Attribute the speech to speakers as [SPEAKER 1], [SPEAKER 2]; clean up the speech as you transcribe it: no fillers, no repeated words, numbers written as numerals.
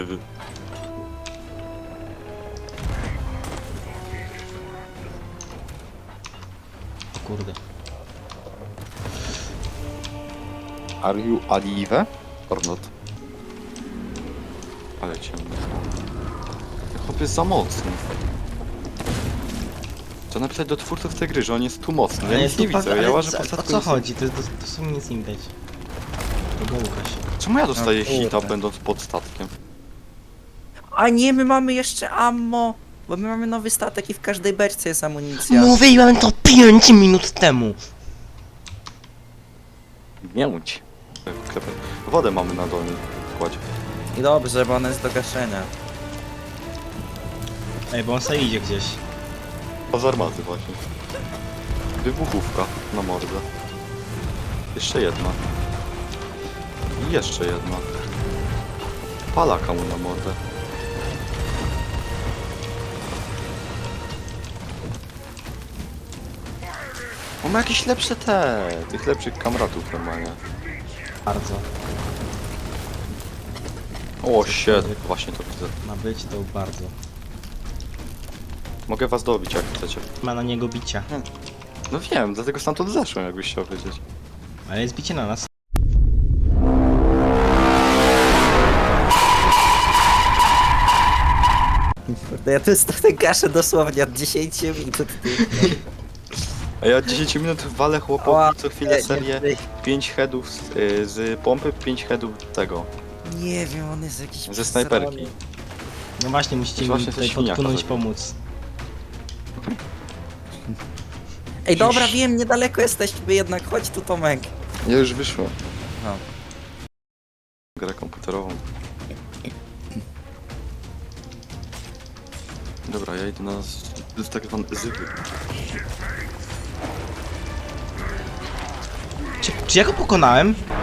[SPEAKER 1] O kurde.
[SPEAKER 2] Are you alive or not? Ale ciemno. Chłop jest za mocny. Trzeba napisać do twórców tej gry, że on jest tu mocny. Ja nic nie widzę, ja łażę po
[SPEAKER 1] O
[SPEAKER 2] statku.
[SPEAKER 1] co chodzi? To w sumie nic nie widać. To było Łukasz.
[SPEAKER 2] Czemu ja dostaję
[SPEAKER 3] No kurde.
[SPEAKER 2] hita będąc pod statkiem?
[SPEAKER 3] A nie, my mamy jeszcze ammo! Bo my mamy nowy statek i w każdej beczce jest amunicja.
[SPEAKER 1] Mówiłem to 5 minut temu!
[SPEAKER 2] Mięć. Wodę mamy na dolnym kładzie.
[SPEAKER 3] I dobrze, bo ona jest do gaszenia.
[SPEAKER 1] Ej, bo on sobie idzie gdzieś.
[SPEAKER 2] A z armaty właśnie. Wybuchówka na mordę. Jeszcze jedna. I jeszcze jedna. Palaka mu na mordę. On ma jakieś lepsze tych lepszych kamratów normalnie.
[SPEAKER 1] Bardzo.
[SPEAKER 2] O shit, właśnie to widzę.
[SPEAKER 1] Ma być to bardzo.
[SPEAKER 2] Mogę was dobić jak chcecie.
[SPEAKER 1] Ma na niego bicia.
[SPEAKER 2] No wiem, dlatego stamtąd zeszłem, jakbyś chciał wiedzieć.
[SPEAKER 1] Ale jest bicie na nas.
[SPEAKER 3] Ja tu statek gaszę dosłownie od 10 minut.
[SPEAKER 2] A ja od 10 minut walę
[SPEAKER 3] Ała,
[SPEAKER 2] chłopowi co chwilę
[SPEAKER 3] nie,
[SPEAKER 2] serię 5 headów z pompy, 5 headów tego,
[SPEAKER 3] Nie wiem, on jest jakiś...
[SPEAKER 2] ze snajperki.
[SPEAKER 1] No właśnie, musicie mi
[SPEAKER 2] Właśnie
[SPEAKER 1] tutaj
[SPEAKER 2] coś świniaka
[SPEAKER 1] podpłynąć,
[SPEAKER 2] zrobił.
[SPEAKER 1] pomóc.
[SPEAKER 3] Ej, dobra, wiem, niedaleko jesteśmy jednak, chodź tu Tomek.
[SPEAKER 2] Ja już wyszłem.
[SPEAKER 3] No.
[SPEAKER 2] Grę komputerową. Dobra, ja idę na tak zwany zyby.
[SPEAKER 1] Czy ja go pokonałem?